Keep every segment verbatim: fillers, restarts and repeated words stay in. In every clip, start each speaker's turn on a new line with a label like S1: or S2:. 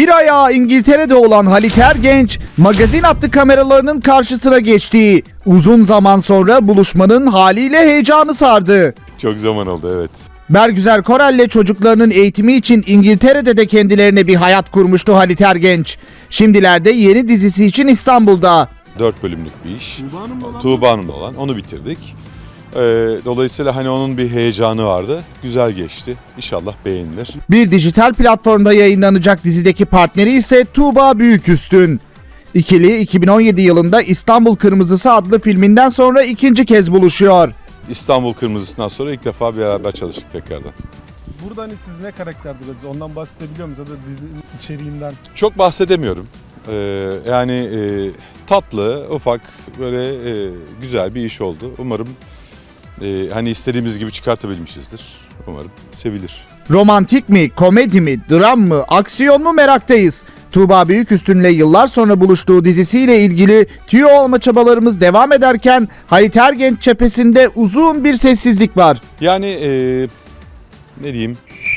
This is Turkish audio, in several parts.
S1: Bir ayağı İngiltere'de olan Halit Ergenç, magazin hattı kameralarının karşısına geçti. Uzun zaman sonra buluşmanın haliyle heyecanı sardı.
S2: Çok zaman oldu, evet.
S1: Bergüzar Korel'le çocuklarının eğitimi için İngiltere'de de kendilerine bir hayat kurmuştu Halit Ergenç. Şimdilerde yeni dizisi için İstanbul'da.
S2: Dört bölümlük bir iş.
S3: Tuğba Hanım'la olan
S2: Tuğba Hanım'la olan. Onu bitirdik. Ee, dolayısıyla hani onun bir heyecanı vardı. Güzel geçti. İnşallah beğenilir.
S1: Bir dijital platformda yayınlanacak dizideki partneri ise Tuğba Büyüküstün. İkili iki bin on yedi yılında İstanbul Kırmızısı adlı filminden sonra ikinci kez buluşuyor.
S2: İstanbul Kırmızısı'ndan sonra ilk defa beraber çalıştık tekrardan.
S3: burada hani siz ne karakterde rolünüz? Ondan bahsedebiliyor musunuz? Ya da dizinin içeriğinden.
S2: Çok bahsedemiyorum. Ee, yani e, tatlı, ufak, böyle e, güzel bir iş oldu. Umarım e, hani istediğimiz gibi çıkartabilmişizdir. Umarım sevilir.
S1: Romantik mi, komedi mi, dram mı, aksiyon mu meraktayız. Tuğba Büyüküstün'le yıllar sonra buluştuğu dizisiyle ilgili tüyo olma çabalarımız devam ederken Halit Ergenç cephesinde uzun bir sessizlik var.
S2: Yani e, ne diyeyim?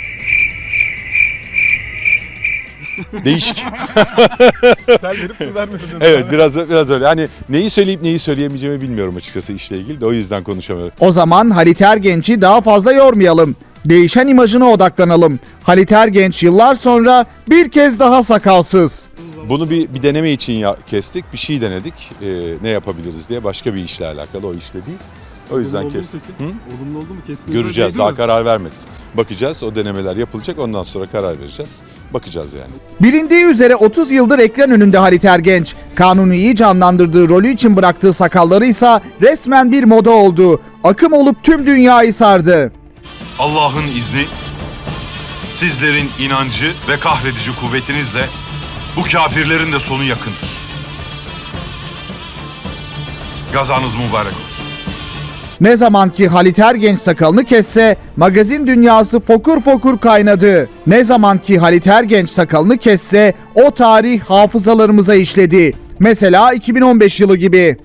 S2: Değişik.
S3: Sen verip siz vermiyorsunuz.
S2: Evet, biraz biraz öyle. Hani neyi söyleyip neyi söyleyemeyeceğimi bilmiyorum açıkçası işle ilgili de o yüzden konuşamıyorum.
S1: O zaman Halit Ergenç'i daha fazla yormayalım. Değişen imajına odaklanalım. Halit Ergenç yıllar sonra bir kez daha sakalsız.
S2: Bunu bir, bir deneme için ya, kestik. Bir şey denedik. Ee, ne yapabiliriz diye. Başka bir işle alakalı, o işle değil. O yüzden
S3: Olumlu oldu mu
S2: kestik.
S3: peki?
S2: Hı?
S3: Olumlu oldu mu? Kesmenize
S2: Göreceğiz.
S3: değdi
S2: Daha
S3: mi?
S2: karar vermedik. Bakacağız. O denemeler yapılacak. Ondan sonra karar vereceğiz. Bakacağız yani.
S1: Bilindiği üzere otuz yıldır ekran önünde Halit Ergenç. Kanuni'yi canlandırdığı rolü için bıraktığı sakalları ise resmen bir moda oldu. Akım olup tüm dünyayı sardı.
S4: Allah'ın izni, sizlerin inancı ve kahredici kuvvetinizle bu kafirlerin de sonu yakındır. Gazanız mübarek olsun.
S1: Ne zaman ki Halit Ergenç sakalını kesse magazin dünyası fokur fokur kaynadı. Ne zaman ki Halit Ergenç sakalını kesse o tarih hafızalarımıza işledi. Mesela iki bin on beş yılı gibi.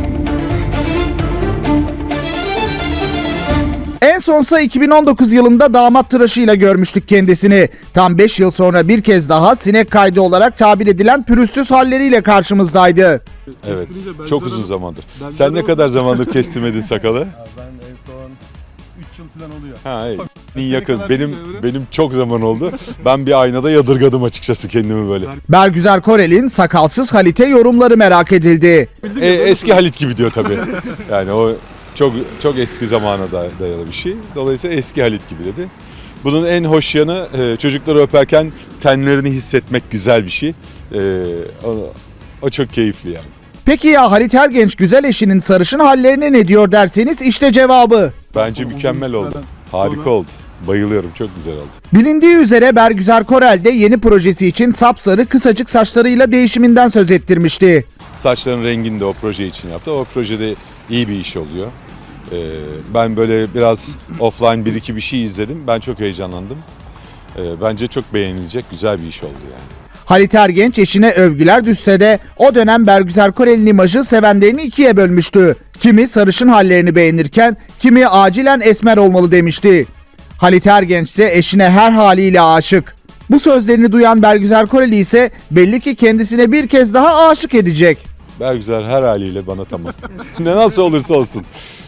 S1: En sonsa iki bin on dokuz yılında damat tıraşıyla görmüştük kendisini. Tam beş yıl sonra bir kez daha sinek kaydı olarak tabir edilen pürüzsüz halleriyle karşımızdaydı.
S2: Evet.
S3: Kestirince ben
S2: Çok
S3: de-
S2: uzun zamandır.
S3: ben de
S2: Sen ne
S3: öyle
S2: kadar
S3: oldu.
S2: zamandır kestirmedin sakalı?
S3: Ya ben en son üç yıl falan oluyor.
S2: Ha, iyi.
S3: Seni
S2: yakın.
S3: kadar
S2: Benim
S3: bilmiyorum.
S2: benim çok zaman oldu. Ben bir aynada yadırgadım açıkçası kendimi böyle.
S1: Bergüzar Korel'in sakalsız Halit'e yorumları merak edildi.
S2: E, eski Halit gibi diyor tabii. Yani o çok çok eski zamana da- dayalı bir şey. Dolayısıyla eski Halit gibi dedi. Bunun en hoş yanı e, çocukları öperken tenlerini hissetmek güzel bir şey. E, o, o çok keyifli yani.
S1: Peki ya Halit Ergenç güzel eşinin sarışın hallerine ne diyor derseniz işte cevabı.
S2: Bence
S3: Uzun
S2: mükemmel
S3: bir
S2: oldu.
S3: süreden
S2: Harika
S3: sonra-
S2: oldu. Bayılıyorum. Çok güzel oldu.
S1: Bilindiği üzere Bergüzar Korel de yeni projesi için sapsarı kısacık saçlarıyla değişiminden söz ettirmişti.
S2: Saçların rengini de o proje için yaptı. O projede iyi bir iş oluyor. E, ben böyle biraz offline bir iki bir şey izledim. Ben çok heyecanlandım. E, bence çok beğenilecek güzel bir iş oldu yani.
S1: Halit Ergenç eşine övgüler düşse de o dönem Bergüzar Korel'in imajı sevenlerini ikiye bölmüştü. Kimi sarışın hallerini beğenirken kimi acilen esmer olmalı demişti. Halit Ergenç ise eşine her haliyle aşık. Bu sözlerini duyan Bergüzar Koreli ise belli ki kendisine bir kez daha aşık edecek.
S2: Bergüzar her haliyle bana tamam. Ne nasıl olursa olsun.